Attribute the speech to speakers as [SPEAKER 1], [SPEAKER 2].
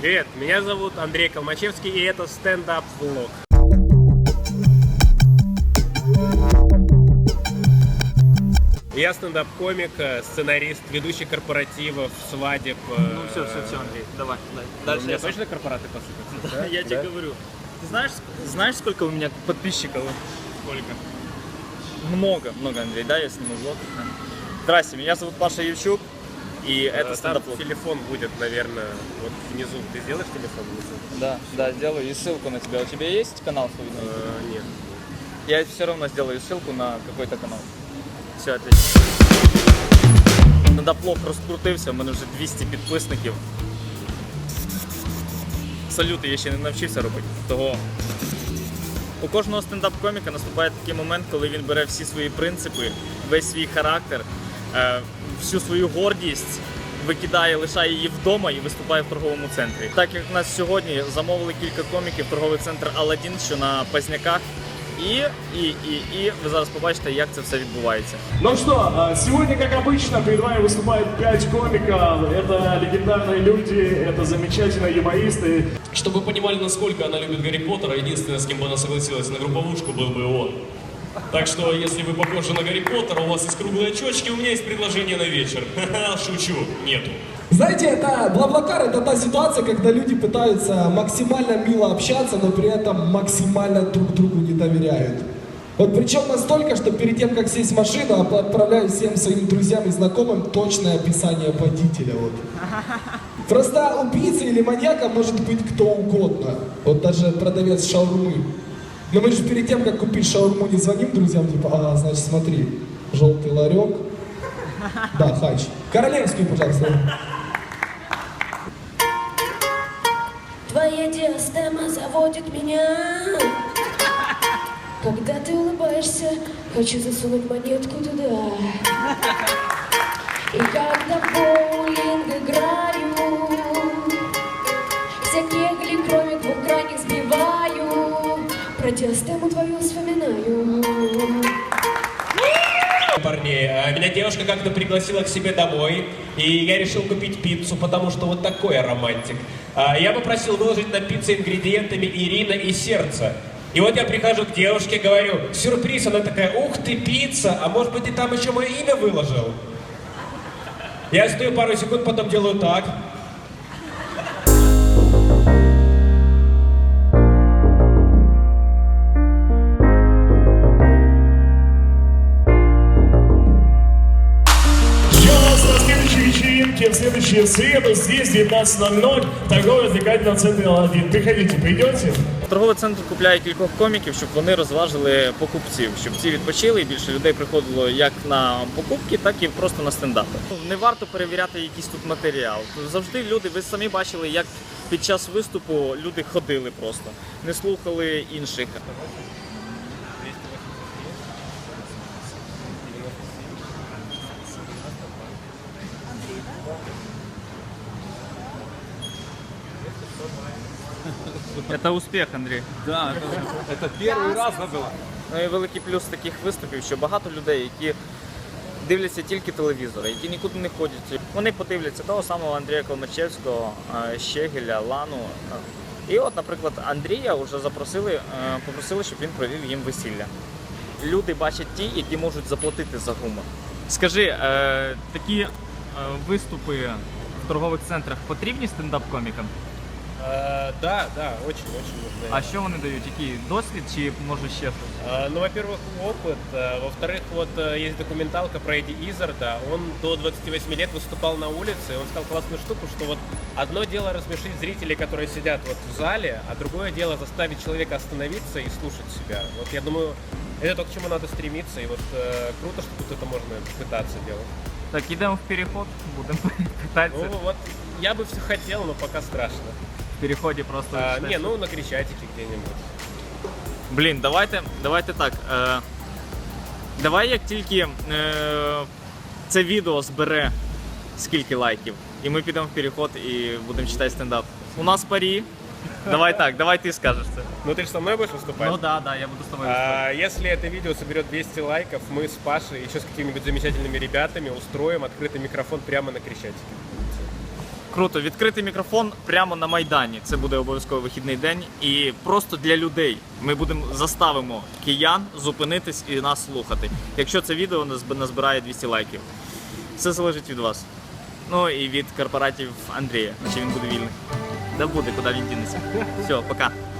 [SPEAKER 1] Привет, меня зовут Андрей Колмачевский, и это стендап-влог. Я стендап-комик, сценарист, ведущий корпоративов, свадеб.
[SPEAKER 2] Ну все, Андрей, давай.
[SPEAKER 1] Дальше. У меня точно корпораты посыпятся?
[SPEAKER 2] Да, я тебе говорю. Ты знаешь, сколько у меня подписчиков?
[SPEAKER 1] Сколько?
[SPEAKER 2] Много, Андрей, да, я сниму влог. Здрасте, меня зовут Паша Евчук, и это стендап-влог.
[SPEAKER 1] Телефон будет, наверное, вот внизу. Ты сделаешь телефон внизу?
[SPEAKER 2] Да, сделаю и ссылку на тебя. У тебя есть канал свой?
[SPEAKER 1] Нет.
[SPEAKER 2] Я все равно сделаю ссылку на какой-то канал. Все, отлично. Стендап-влог розкрутився, у мене вже 200 підписників. Салюти я ще не навчився робити. Того у кожного стендап-коміка наступає такий момент, коли він бере всі свої принципи, весь свій характер, всю свою гордість, викидає, лишає її вдома і виступає в торговому центрі. Так як в нас сьогодні замовили кілька коміків, торговий центр Аладдін, що на Позняках. И вы зараз побачите, як це все відбувається.
[SPEAKER 3] Ну что, сегодня, как обычно, перед вами выступает 5 комиков. Это легендарные люди, это замечательные юмористы.
[SPEAKER 4] Чтобы вы понимали, насколько она любит Гарри Поттера, единственное, с кем бы она согласилась на групповушку, был бы он. Так что, если вы похожи на Гарри Поттера, у вас есть круглые очечки, у меня есть предложение на вечер. Шучу, нету.
[SPEAKER 5] Знаете, это Блаблакар, это та ситуация, когда люди пытаются максимально мило общаться, но при этом максимально друг другу не доверяют. Вот причем настолько, что перед тем, как сесть в машину, отправляю всем своим друзьям и знакомым точное описание водителя. Вот. Просто убийца или маньяка может быть кто угодно. Вот даже продавец шаурмы. Но мы же перед тем, как купить шаурму, не звоним друзьям, типа, значит, смотри, желтый ларек. Да, хач. Королевский, пожалуйста.
[SPEAKER 6] Твоя диастема заводит меня. Когда ты улыбаешься, хочу засунуть монетку туда. И когда в боулинг играю, все кегли, кроме двух крайних, сбиваю. Про диастему твою вспоминаю.
[SPEAKER 4] Парней, меня девушка как-то пригласила к себе домой, и я решил купить пиццу, потому что вот такой я романтик. Я попросил выложить на пиццу ингредиентами Ирина и сердце. И вот я прихожу к девушке, говорю, сюрприз, она такая, ух ты, пицца, а может быть ты там еще мое имя выложил? Я стою пару секунд, потом делаю так.
[SPEAKER 3] В следующую среду здесь 19:00 в торгово-развлекательном центре Аладдін. Приходите, придете?
[SPEAKER 2] Торговий центр купляє кількох коміків, щоб вони розважили покупців, щоб ці відпочили і більше людей приходило як на покупки, так і просто на стендапи. Не варто перевіряти якийсь тут матеріал. Завжди люди, ви самі бачили, як під час виступу люди ходили просто, не слухали інших. Це успіх, Андрій.
[SPEAKER 7] Да, це перший раз було.
[SPEAKER 2] Ну і великий плюс таких виступів, що багато людей, які дивляться тільки телевізори, які нікуди не ходять. Вони подивляться того самого Андрія Колмачевського, Щегеля, Лану. І от, наприклад, Андрія вже попросили, щоб він провів їм весілля. Люди бачать ті, які можуть заплатити за гумор. Скажи, такі виступи в торгових центрах потрібні стендап-комікам?
[SPEAKER 1] Да, очень нужны.
[SPEAKER 2] А що вони дають? Який досвід чи може ще щось?
[SPEAKER 1] Ну, во-первых, опыт. Во-вторых, вот есть документалка про Эдди Иззарда. Он до 28 лет выступал на улице, и он сказал классную штуку, что вот одно дело рассмешить зрителей, которые сидят вот в зале, а другое дело заставить человека остановиться и слушать себя. Вот я думаю, это то, к чему надо стремиться, и вот круто, что тут это можно пытаться делать.
[SPEAKER 2] Так, йдемо в переход, будемо питатися.
[SPEAKER 1] Ну вот, я бы все хотел, но пока страшно.
[SPEAKER 2] В переході просто...
[SPEAKER 1] Не, ну на Крещатике где-нибудь.
[SPEAKER 2] Блін, давайте так. Давай як тільки це відео збере скільки лайків, і ми підемо в переход і будемо читати стендап. У нас парі. Давай так, давай ты скажешь это.
[SPEAKER 1] Ну ты же со мной будешь выступать?
[SPEAKER 2] Ну да, я буду с тобой выступать.
[SPEAKER 1] Если это видео соберет 200 лайков, мы с Пашей и еще с какими-нибудь замечательными ребятами устроим открытый микрофон прямо на Крещатике.
[SPEAKER 2] Круто, відкритий мікрофон прямо на Майдані. Це буде обов'язково вихідний день. І просто для людей ми заставимо киян зупинитись і нас слухати. Якщо це відео назбирає 200 лайків. Все залежить від вас. Ну і від корпоратів Андрія, чи він буде вільний. Да буде, куди він дінеться. Все, пока.